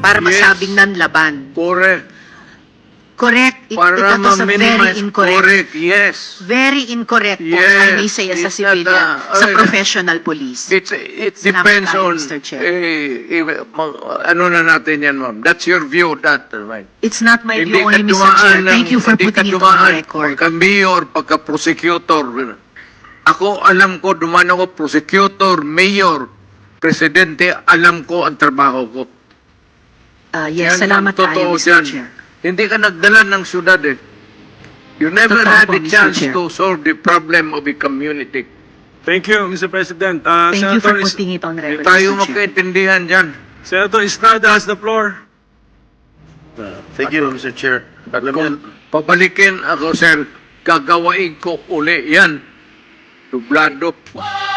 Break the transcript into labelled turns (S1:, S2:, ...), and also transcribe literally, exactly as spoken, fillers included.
S1: para
S2: Yes.
S1: masabing nanlaban.
S2: Correct.
S1: Correct. It,
S2: Para
S1: it was a very
S2: ma-minimize.
S1: incorrect.
S2: Correct, yes.
S1: Very incorrect po,
S2: Yes,
S1: I may say, as a
S2: it's not,
S1: civilian,
S2: uh,
S1: sa
S2: uh,
S1: professional police.
S2: It's, it
S1: It's not
S2: depends
S1: tayo,
S2: on,
S1: Mister Chair.
S2: eh, eh, ma- ano na natin yan, ma'am. That's your view, that, right?
S1: It's not my
S2: Hindi
S1: view
S2: ka
S1: only, Mister Chair.
S2: dumaan ng-
S1: Thank you for
S2: hindi ka
S1: putting it on
S2: dumaan
S1: the record.
S2: Pagka-mayor, pagka-prosecutor. Ako, alam ko, dumaan ako, prosecutor, mayor, presidente, alam ko ang trabaho ko.
S1: Uh, yes,
S2: Yan
S1: salamat
S2: ang totoo
S1: tayo, Mister
S2: dyan.
S1: Chair.
S2: Hindi ka nagdala ng syudad eh. You never
S1: Totoo
S2: had
S1: po,
S2: a
S1: Mister
S2: chance
S1: Chair.
S2: to solve the problem of a community.
S3: Thank you, Mister President. Uh,
S1: Thank you for
S3: Senator, Is-
S1: putting it on
S2: Hindi
S1: record,
S2: tayo
S1: Mister Chair.
S2: magkaintindihan dyan.
S3: Senator Estrada has the floor.
S4: Uh, Thank you, Mister Chair.
S2: At
S4: Alam
S2: kung
S4: niyo,
S2: pabalikin ako, sir, gagawain ko uli yan. Dublado.